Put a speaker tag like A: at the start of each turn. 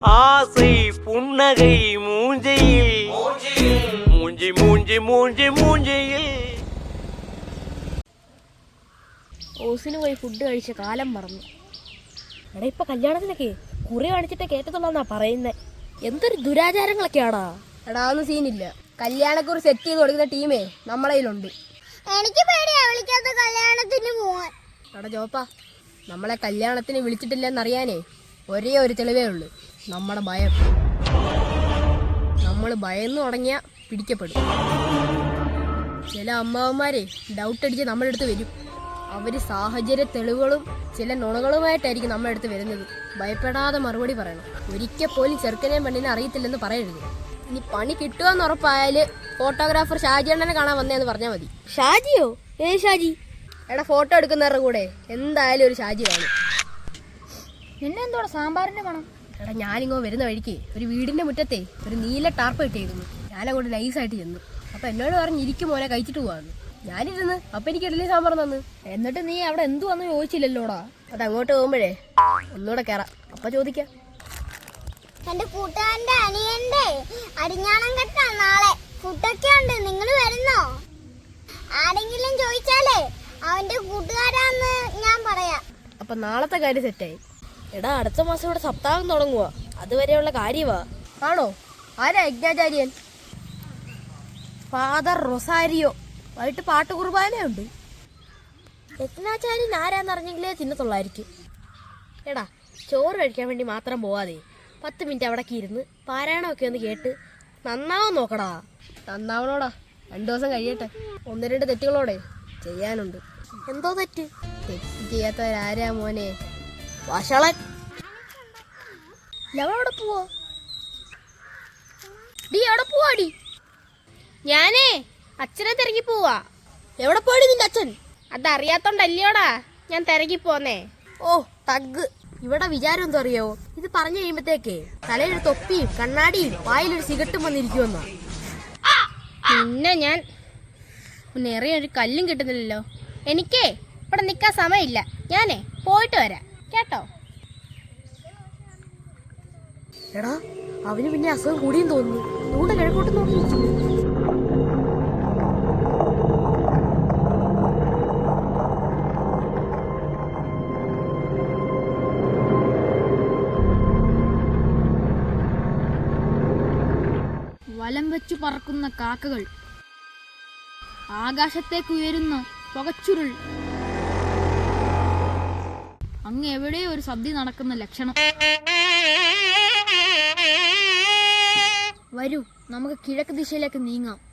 A: ஆசை புன்னகை மூஞ்சையில் மூஞ்சி மூஞ்சி மூஞ்சி மூஞ்சியில்.
B: ഓസിന് പോയി ഫുഡ് കഴിച്ച കാലം മറന്നു. എടാ ഇപ്പൊ കല്യാണത്തിനൊക്കെ കുറി കാണിച്ചിട്ട് കേട്ടതുള്ളന്നാ പറയുന്നേ. എന്തൊരു ദുരാചാരങ്ങളൊക്കെയാടാ.
C: എടാ ഒന്നും സീനില്ല. കല്യാണക്കുറി സെറ്റ് ചെയ്ത് കൊടുക്കുന്ന ടീമേ നമ്മളെ കയ്യിലുണ്ട്.
D: എനിക്ക് പേടിയാ വിളിക്കാത്ത കല്യാണത്തിന് പോവാൻ.
C: എടാ ജോപ്പാ, നമ്മളെ കല്യാണത്തിന് വിളിച്ചിട്ടില്ലെന്നറിയാനേ ഒരേ ഒരു തെളിവേ ഉള്ളൂ, നമ്മുടെ ഭയം. നമ്മൾ ഭയന്ന് തുടങ്ങിയ പിടിക്കപ്പെടും. ചില അമ്മാവന്മാരെ ഡൗട്ട് അടിച്ച് നമ്മുടെ അടുത്ത് വരും. അവർ സാഹചര്യ തെളിവുകളും ചില നുണകളുമായിട്ടായിരിക്കും നമ്മുടെ അടുത്ത് വരുന്നത്. ഭയപ്പെടാതെ മറുപടി പറയണം. ഒരിക്കൽ പോലും ചെറുക്കനെയും പെണ്ണിനെ അറിയത്തില്ലെന്ന് പറയരുത്. ഇനി പണി കിട്ടുകയെന്ന് ഉറപ്പായാൽ ഫോട്ടോഗ്രാഫർ ഷാജിയണ്ണനെ കാണാൻ വന്നേന്ന് പറഞ്ഞാൽ മതി.
B: ഷാജിയോ? ഏ ഷാജി?
C: എടാ ഫോട്ടോ എടുക്കുന്നവരുടെ കൂടെ എന്തായാലും ഒരു ഷാജി കാണും.
B: നിന്നെ എന്തോടാ സാമ്പാറിന്റെ മണം?
C: എടാ ഞാനിങ്ങോ വരുന്ന വഴിക്ക് ഒരു വീടിന്റെ മുറ്റത്തെ ഒരു നീല ടാർപ്പ് ഇട്ടേക്കുന്നു. ഞാനങ്ങോട്ട് നൈസായിട്ട് ചെന്നു. അപ്പൊ എന്നോട് പറഞ്ഞ് ഇരിക്കും മോനെ കഴിച്ചിട്ട് പോവാന്ന്. ഞാനിരുന്ന് അപ്പൊ എനിക്ക് ഇഡ്ഡലി സാമ്പാർ തന്നു.
B: എന്നിട്ട് നീ അവിടെ എന്തു വന്നു ചോദിച്ചില്ലല്ലോടാ.
C: അത് അങ്ങോട്ട് പോകുമ്പോഴേ ഒന്നുകൂടെ കയറാം, അപ്പൊ ചോദിക്കാം.
D: എന്റെ കൂട്ടുകാരന്റെ അനിയന്റെ അരിഞ്ഞാണം കെട്ടാ നാളെ. ഫുഡൊക്കെ ഉണ്ട്, നിങ്ങൾ വരുന്നോ? ആരെങ്കിലും ചോദിച്ചാലേ അവന്റെ കൂട്ടുകാരാന്ന് ഞാൻ പറയാം.
C: അപ്പൊ നാളത്തെ കാര്യം സെറ്റായി.
B: എടാ അടുത്ത മാസം ഇവിടെ സപ്താഹം തുടങ്ങുക. അതുവരെയുള്ള കാര്യവാ.
C: ആണോ? ആരാ യജ്ഞാചാര്യൻ?
B: Father Rosario. വൈകിട്ട് പാട്ട് കുർബാനയുണ്ട്. യജ്ഞാചാര്യൻ ആരാന്നറിഞ്ഞെങ്കിലേ തിന്നത്തുള്ളായിരിക്കും. എടാ ചോറ് കഴിക്കാൻ വേണ്ടി മാത്രം പോവാതെ 10 മിനിറ്റ് അവിടേക്ക് ഇരുന്ന് പാരായണമൊക്കെ ഒന്ന് കേട്ട് നന്നാവും നോക്കടാ.
C: നന്നാവണോടാ, 2 ദിവസം കഴിയട്ടെ. 1-2 തെറ്റുകളോടെ ചെയ്യാനുണ്ട്.
B: എന്തോ തെറ്റ്?
C: തെറ്റ് ചെയ്യാത്തവരാരാ മോനെ?
B: വഷളൻ. എവിടെ പോവോ? ഡി എവിടെ പോവാടി? ഞാനേ അച്ഛനെ തിരക്കി പോവാ. എവിടെ പോയി നിന്റെ അച്ഛൻ? അതറിയാത്തോണ്ടല്ലോടാ ഞാൻ തിരക്കി പോന്നേ. ഓ തഗ്. ഇവിടെ വിചാരം എന്തോ അറിയോ? ഇത് പറഞ്ഞു കഴിയുമ്പത്തേക്കേ തലയിലൊരു തൊപ്പിയും കണ്ണാടിയും വായിലൊരു സിഗരറ്റും വന്നിരിക്കുമെന്നാ. പിന്നെ ഞാൻ എറിയൊരു കല്ലും കിട്ടുന്നില്ലല്ലോ. എനിക്കേ ഇവിടെ നിൽക്കാൻ സമയമില്ല. ഞാനേ പോയിട്ട് വരാം കേട്ടോ. എടാ അവന് പിന്നെ അസുഖം കൂടിയും തോന്നുന്നു. അതുകൊണ്ട് കിഴക്കോട്ട് നോക്കിയിരിക്കുന്നു. വലം വെച്ചു പറക്കുന്ന കാക്കകൾ, ആകാശത്തേക്ക് ഉയരുന്ന പുകച്ചുരുൾ, അങ്ങ് എവിടെയോ ഒരു സദ്യ നടക്കുന്ന ലക്ഷണം. വരൂ നമുക്ക് കിഴക്ക് ദിശയിലേക്ക് നീങ്ങാം.